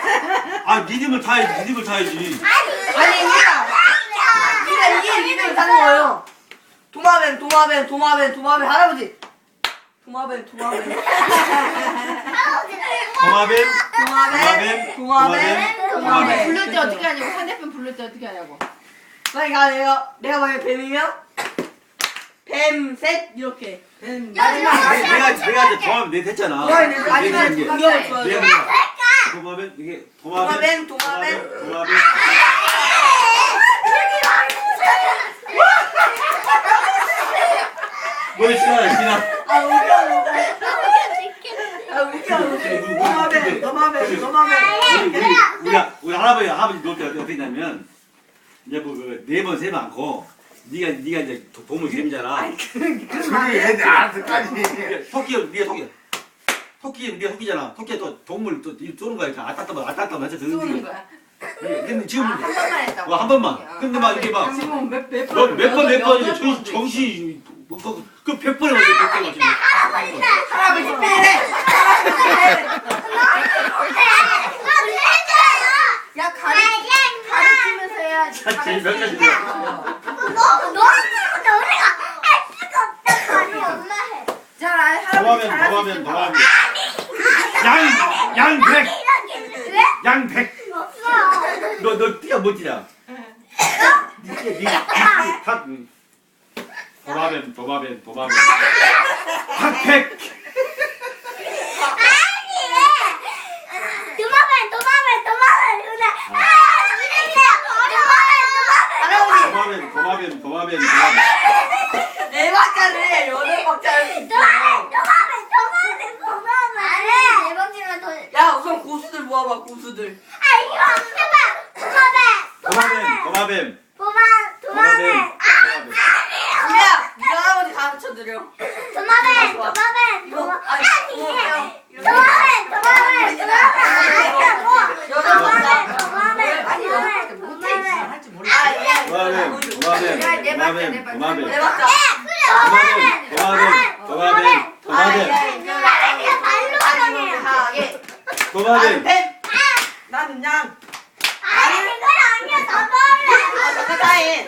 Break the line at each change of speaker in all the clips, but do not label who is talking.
아 리듬을 타야지. 리듬을 타야지.
아니 우리가 이게 리듬을 타는 거예요. 도마뱀 도마뱀 도마뱀 도마뱀 할아버지. 도마뱀 도마뱀
도마뱀.
도마뱀 도마뱀 도마뱀.
부를 때 어떻게 하냐고. 상대편 부를 때 어떻게 하냐고.
그러니까 내가 만약 뱀이면 뱀 셋 이렇게. 뱀
내가 이제 도마뱀 내 됐잖아.
마지막에
이게
공격을 좋아요.
내가 도마뱀 이게
도마뱀,
도마뱀. 뭘 지나.
아 웃겨. 도마뱀 도마뱀 도마뱀.
우리 할아버지 놀 때 어떻게 했냐면 이제 뭐네번 세면 않고 네가 이제 도움을 드리잖아.
그게 얘들 알아서까지.
네가 토끼잖아. 토끼가 또 동물 또 쏘는 거야. 아따따만 해서
쏘는
드는
거야.
근데 지금
한 번만 했다고.
한 번만. 근데 막 이게 막
지금 몇
번 이제 정신이 그 100번에 맞지 100번에 맞지.
할아버지 빼래.
야 가르치면서 해야지.
제일 몇 가지야.
자 할아버지
도마뱀. 양백. 너 뛰어 못 뛰냐? 도마뱀. 핫팩. 도마뱀.
네 박자를 해. 여덟 박자를. 야 우선 고수들 모아봐 고수들.
도마뱀.
야 이거 할아버지 가르쳐드려.
네
박자. 나는 뱀. 나는 양. 다해.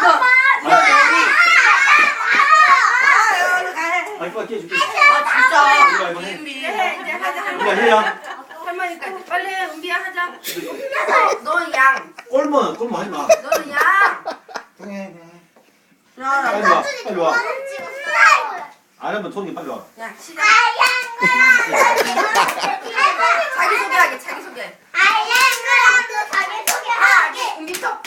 진짜.
이제 하자.
해야.
할머니까지 빨리 해. 은비야 하자. 넌 양.
꼴만 하지 마.
너는 양.
빨리 와. 안 하면 손이 빨리 와.
야 시작. 자기 소개. 은비터.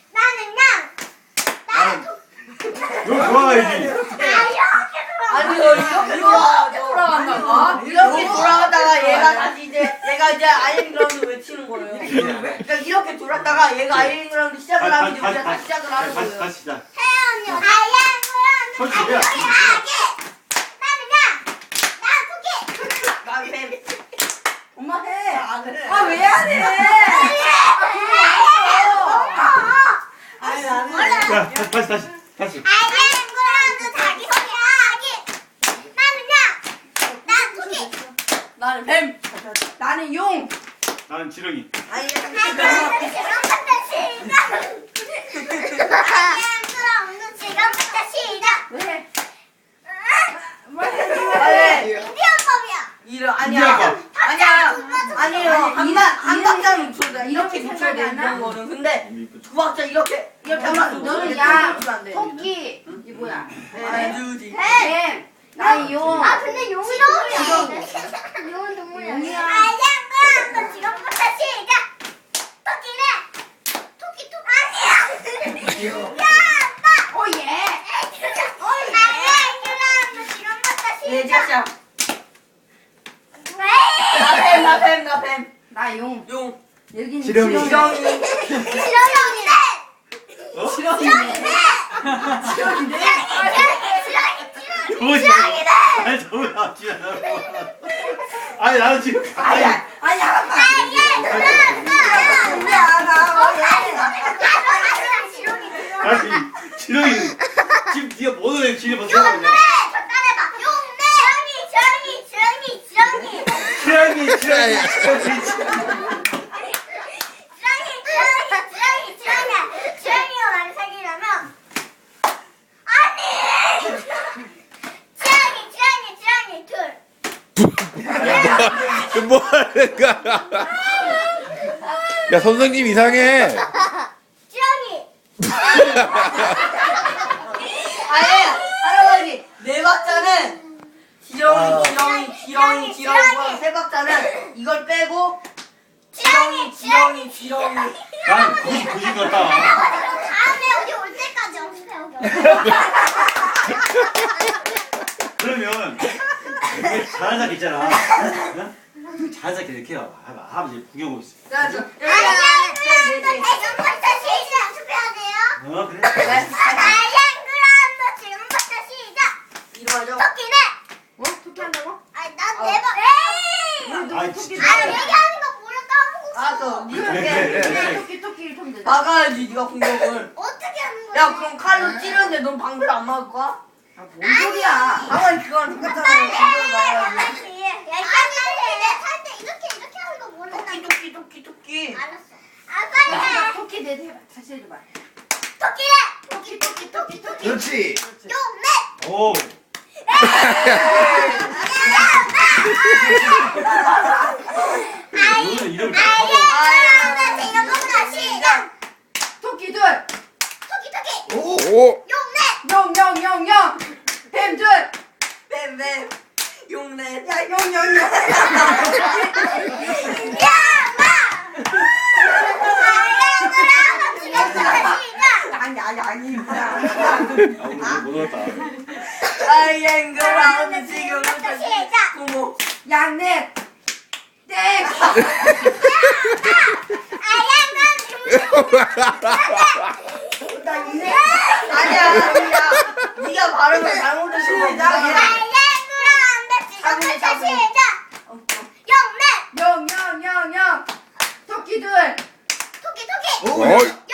너 돌아가야지.
아니 너 이렇게 돌아간다가 이렇게 돌아가다가 얘가 이제 아이언그라운드 외치는 거예요. 그러니까 이렇게 돌았다가 얘가 아이언그라운드 시작을 하면 이제 우리가 다시 시작을 하는 거예요.
다시 시작. 솔직히야.
난 뱀.
엄마 해.
아 왜 안 해? 아니 나는.
자, 다시.
나는 뱀.
나는 용.
나는 지렁이.
아니
왜?
아니에요. 한 박자는 붙여야 돼. 이렇게 붙여야 돼.
생각이 안
이런 거는. 근데 두 박자 이렇게 하면
너는 양. 토끼. 이 뭐야?
아니지.
뱀. 나는 용.
근데 용이 동물이야. 용은 동물이야.
용이야.
아양과 지금부터 시작. 토끼는 토끼 아니야. 야,
오 예.
아양과 지금부터
예,
시작.
시작.
왜?
나 뱀.
나 용.
용.
여기는
지렁이.
지렁이.
지렁이네.
지렁이네.
뭐지? 아니 저거 아니 나는 지금
아니야.
다시 지렁이 지금 네가 뭐를 지금 벌써 하는
지렁이.
지렁이
뭐 하는 거야? 야 선생님 이상해.
지렁이.
아예 할아버지 네 박자는 지렁이 세 박자는 이걸 빼고 지렁이.
난 굳이 같다.
다음에 여기 올 때까지 연습해요.
그러면 이게 잘한 작 있잖아. 응? 잘한 작 이렇게 해요. 할아버지 구경 오고 있어.
자저
지금부터 시작 연습해야 돼요.
어 그래?
아이앵그라운드 지금부터 시작.
이거 하죠.
토끼네.
토끼 한다고?
아니 난네 번. 에이.
아이 진짜.
아 얘기하는 거 뭐라 까먹고 있어.
알았어.
토끼 이렇게 되잖아.
막아야지 네가 공격을.
어떻게 하는 거야?
야 그럼 칼로 찌르는데 넌 방패를 안 막을 거야?
뭔 소리야?
아니 그건 똑같잖아.
빨리
방패를
해.
막아야지.
빨리 해. 야 아니 살때 이렇게 하는 거 모르나?
토끼.
알았어. 아 빨리 해.
토끼 내 해봐. 다시 해줘봐.
토끼네.
토끼.
그렇지.
용네.
오. 너는 이름 다 하고.
아이앵그라운드 지금부터 시작.
토끼 둘.
토끼.
오.
용네.
영. 뱀 둘.
뱀. 용내.
야 영.
야마. 아이앵그라운드 지금부터 시작.
아니.
아 오늘 못 왔다.
아이앵그라운드 지금부터
시작.
고모.
양넷. 땡. 나 있네.
아니야. 네가 발음을 잘못해서 이상해.
영. 토끼 둘.
오.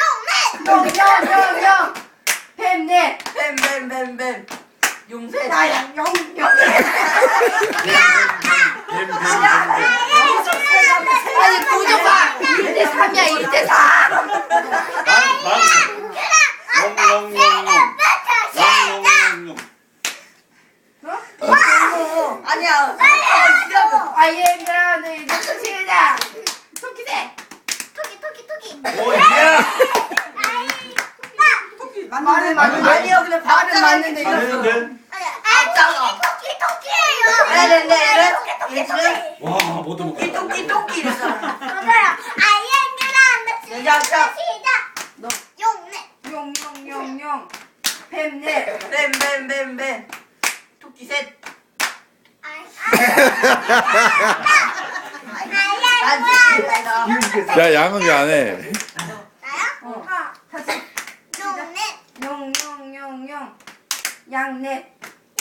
영. 뱀 넷.
뱀. 용새.
나야 영. 아니 구조가 1대3이야 1대4.
아니야.
아이앵그라운드 이제 시작. 토끼 셋. 말은 맞는데.
아니요, 근데
말은 맞는데 이랬어.
와 못도 못 갔다.
토끼 이랬잖아.
영. 뱀 넷.
뱀. 토끼 셋.
야 양은 왜 안 해?
다시. 영. 양넷.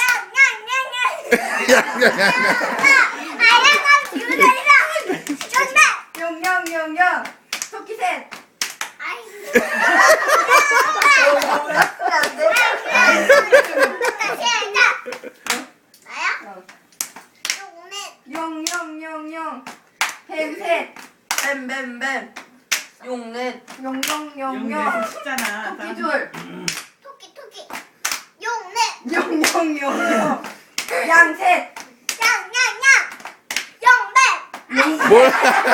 영. 토끼 셋. 영. 뱀 셋.
뱀. 용넷.
영.
쉽잖아.
토끼 둘.
토끼. 용네.
영. 양 셋.
영배.
뭘?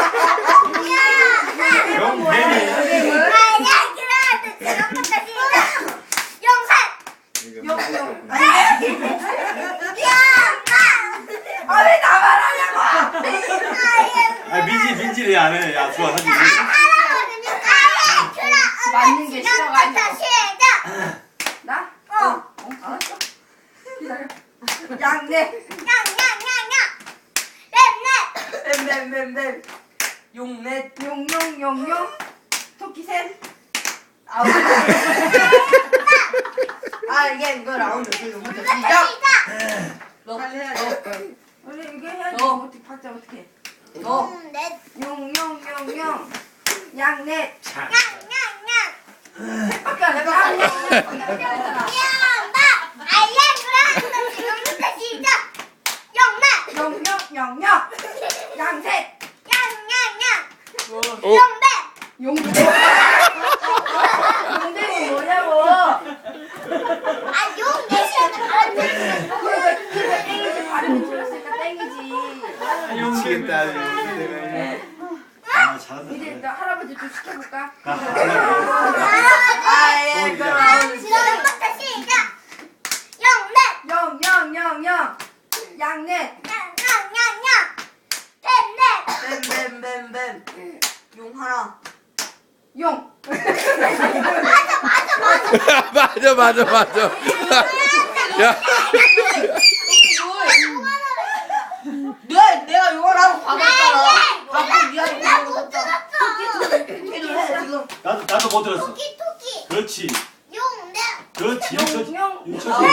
아 왜 나만 하냐고.
아 민지를 안 해. 야 좋아 사진.
맞는 게 싫어가지고. 나? 알았어. 기다려. 양넷.
뱀. 용넷.
영. 토끼 셋.
아이앵그라운드 지금부터 시작. 너.
우리 이거 해야지.
너.
어떻게 박자 어떻게 해?
너.
영. 양넷. 셋밖에 안 해. 영. 양셋. 용대. 용대는 뭐냐고. 그러니까 땡이지. 발음이 틀렸으니까 땡이지.
미치겠다.
잘한다.
이제 나 할아버지 좀 시켜볼까?
아예 그라운드
지금부터 시작. 영넷.
영 양넷
냥냥냥냥. 넷넷.
뱀뱀뱀뱀 용 하나
용
맞아. 야,
내가 용 하나고 받았잖아 받고 니한테
나
거
못
줬잖아
들었어.
걔도 해 지금
나도 못 들었어.
토끼 토끼.
그렇지.
용넷.
그렇지.
용
유천지.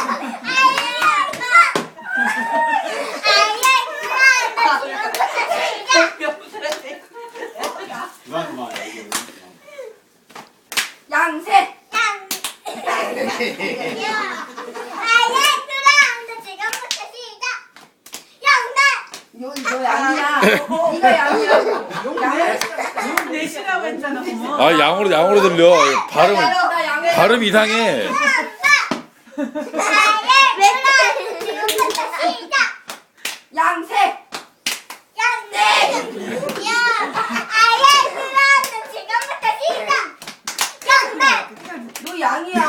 그만.
양셋 너 양이야 네가 양이라고 양을
내시라고 했잖아. 어머.
아 양으로 들려.
나 양을
발음 이상해.
양색 너 양이야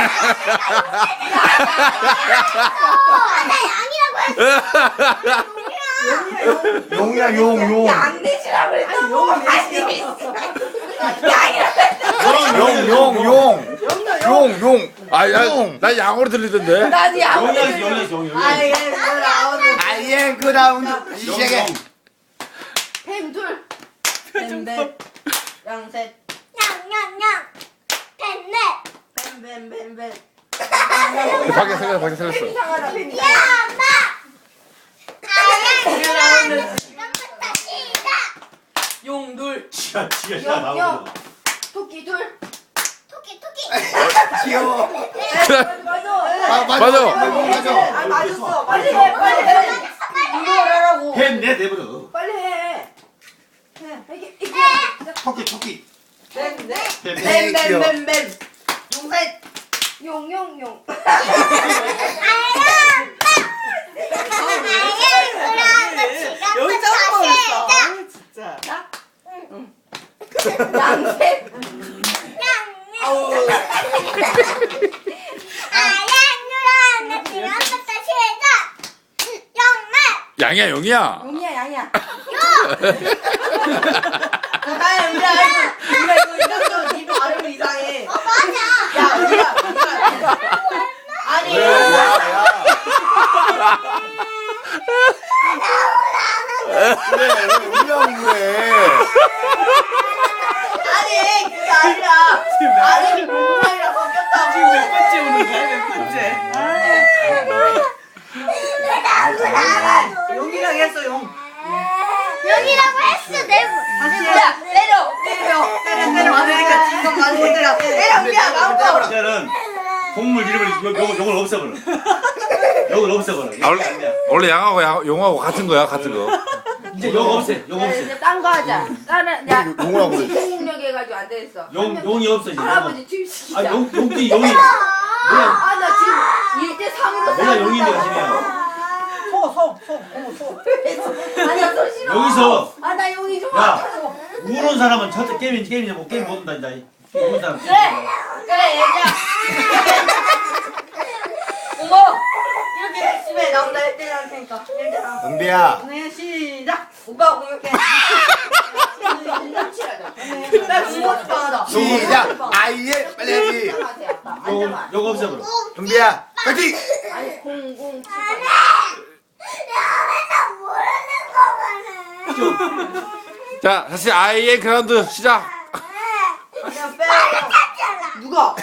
용이야 용.
양내시라고 그랬어
용.
아, 나 양으로 들리던데.
나도 양을
용이야.
아예 그라운드
아이엠 그라운드 시작해.
뱀둘
뱀뱀 양셋 뱀뱀뱀뱀
밖에 살렸어.
뱀 이상하다 뱀
야,
이상하다
엄마!
그라운드
지금부터 시작!
용둘
지가
영,
나오고.
토끼 둘
토끼!
귀여워.
맞아
맞아.
아 맞았어 빨리 해 이거 하라고
뱀내 내버려.
빨리 해 이게
토끼.
뱀뱀뱀뱀 용셋
용용용
여기 짬뽕 있어
진짜.
양색
아우
양이야.
용이야
나야 우리가 이거 네 발음 이상해 야 우리가 아니
그래.
아니 그게 아니라 아니 공부이랑 섞였다고
지금 몇 번째 오는 거야? 몇 번째?
용이랑 했어 용
여기라고 했어
다시 해 때려 맞으니까 지금 맞으니까 때려 그냥 나오고
이제는 동물 이름을 요걸 없애버려. 요걸 없애버려.
원래 양하고 용하고 같은 거야, 같은 거.
이제 요거 없애. 요거 없애.
이제 딴 거 하자 나는 야
용을 하고 그래.
공력 해가지고 안 되겠어
용이 없어 이제.
할아버지 투입시키자
용이.
아 나 지금 1대 3으로
내가 용인데 가시네요.
아니야 소 싫어
여기서
아나 용이 좀
야.
아파서
우는 사람은 저 게임이냐 뭐 게임 못 한다 이제. 우는 사람.
그래 얘기야 어머 이렇게 집에 나온다 할 때는 할 테니까 얘들아
은비야.
네 시작 오빠 공격해 나 공격 싶어하다
시작. 아이엠 빨리 해야지.
요거 없애버려.
은비야. 파이팅.
아니 007
자, 다시 아이의 그라운드 시작.
그냥 빼요 누가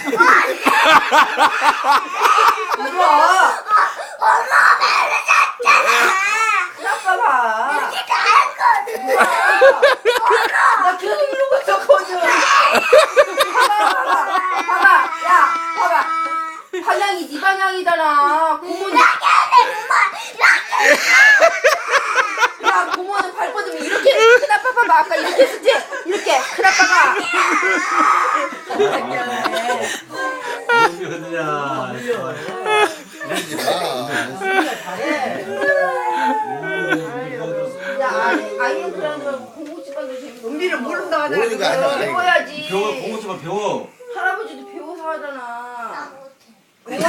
아빠 나 계속 이러고 있었거든 봐봐 야 봐봐 방향이 네 방향이잖아 고모는 야 고모는 발 뻗으면 이렇게 큰아빠 봐봐 아까 이렇게 했지 이렇게 큰아빠가
용이 흔드냐.
야 아이는 그런 거 공부 집안도 재밌어
은비를 모른다 하잖아.
모르는 거 아니야.
그거.
배워야지.
배워 공부 좀 배워.
할아버지도 배워서
나
하잖아.
못해.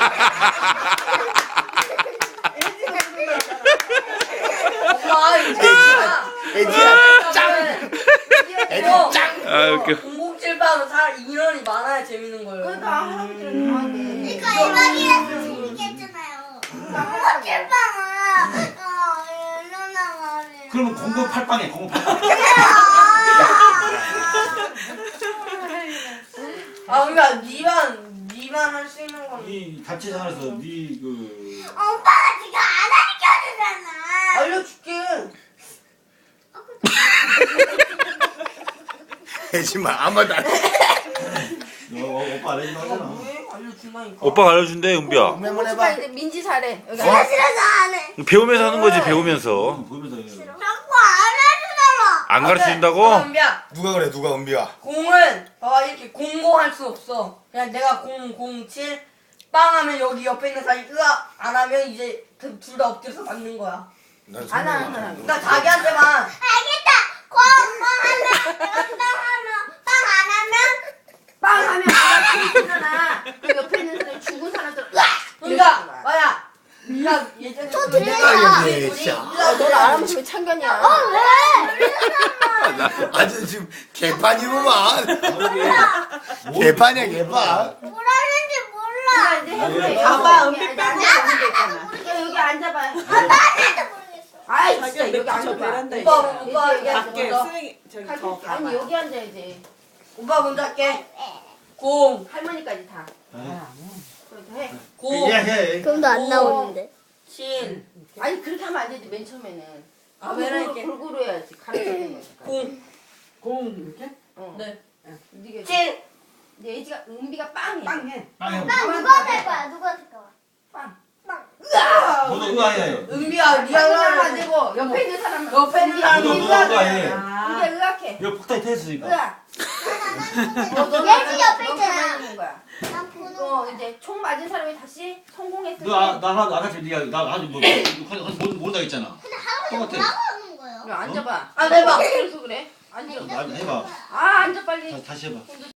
엄마 이제
애지야 짱. 애지 짱.
아 웃겨.
공공칠방은 인원이 많아야 재밌는 거예요.
그러니까 할아버지는 다 하네.
이거 이박이라서 재밌게 했잖아요. 너무 찔빵아. 누나가 안
그러면 공부 팔빵해 공부 팔빵.
아 그러니까 니만 할 수 있는 건
네 같이 살아서 네그
오빠가 지금 안 하니까
알려줄게.
애지만 아무 말도 안 해.
오빠 안 해준다 하잖아.
왜 알려준다니까.
오빠가 알려준대 은비야.
한번
오빠
해봐.
이제 민지 잘해. 여기
싫어 싫어서 안 해.
배우면서 하는 거지 배우면서.
보면서 해.
자꾸 안 해주잖아.
안 가르친다고?
은비야
누가 그래 누가 은비야.
공은 봐봐 이렇게 공공할 수 없어. 그냥 내가 007 빵하면 여기 옆에 있는 사람이 으악 안 하면 이제 둘 다 엎드려서 맞는 거야.
난
안 하는
성공이야.
사람.
그러니까 자기한테만
알겠다. 빵하면 내가 빵 안 하면
빵 하면 내가 죽잖아. 그 옆에 있는 사람이 죽은 사람들 으악!
그러니까 뭐야 네가 예전에
저
그
들려요.
우리
진짜.
아, 너를 알아보면 왜 창견이야?
왜?
아주 지금 개판이구만.
뭐,
개판이야 개판.
뭐라는지 몰라.
자, 이제 해보래.
봐봐,
여기
은비
앉아.
빼고 보는 게 있잖아.
야, 여기 앉아봐요.
나도 모르겠어.
아이 진짜
자기가
여기
저
앉아봐.
베란다에
오빠
이제
밖에
먼저
쓰레기 저기 더
아니
가봐.
여기 앉아야지.
오빠 먼저 할게. 공
할머니까지 다.
아,
그래도 해.
공
해.
그럼도
안 나오는데. 7
아니 그렇게 하면 안 되지 맨 처음에는.
아, 왜 이렇게?
골고루 해야지. 가르쳐야 되는 거니까.
공
공 이렇게?
어.
네.
네가
7
내 애지가 은비가 빵해.
빵해.
빵해.
나 누가 될 거야? 누가 될 거야?
빵.
너도 의아해.
은비야 네가
하면 안
하면
되고 옆에 있는 사람
옆에 있는 사람이
너도
의아해.
의아해.
아.
은비가 의학해.
이거 폭탄이 터졌으니까.
의학.
예지 옆에 있잖아.
있는 거야.
난 보는
또
거야.
이제 총 맞은 사람이 다시 성공했을 때.
너나 아까 네가 나 아주 뭐 모른다 했잖아.
근데 할아버지
똑같아.
뭐라고 하는 거예요?
야, 앉아봐.
안 해봐.
어떻게 해서 그래? 앉아.
해봐.
아 앉아 빨리.
다시 해봐.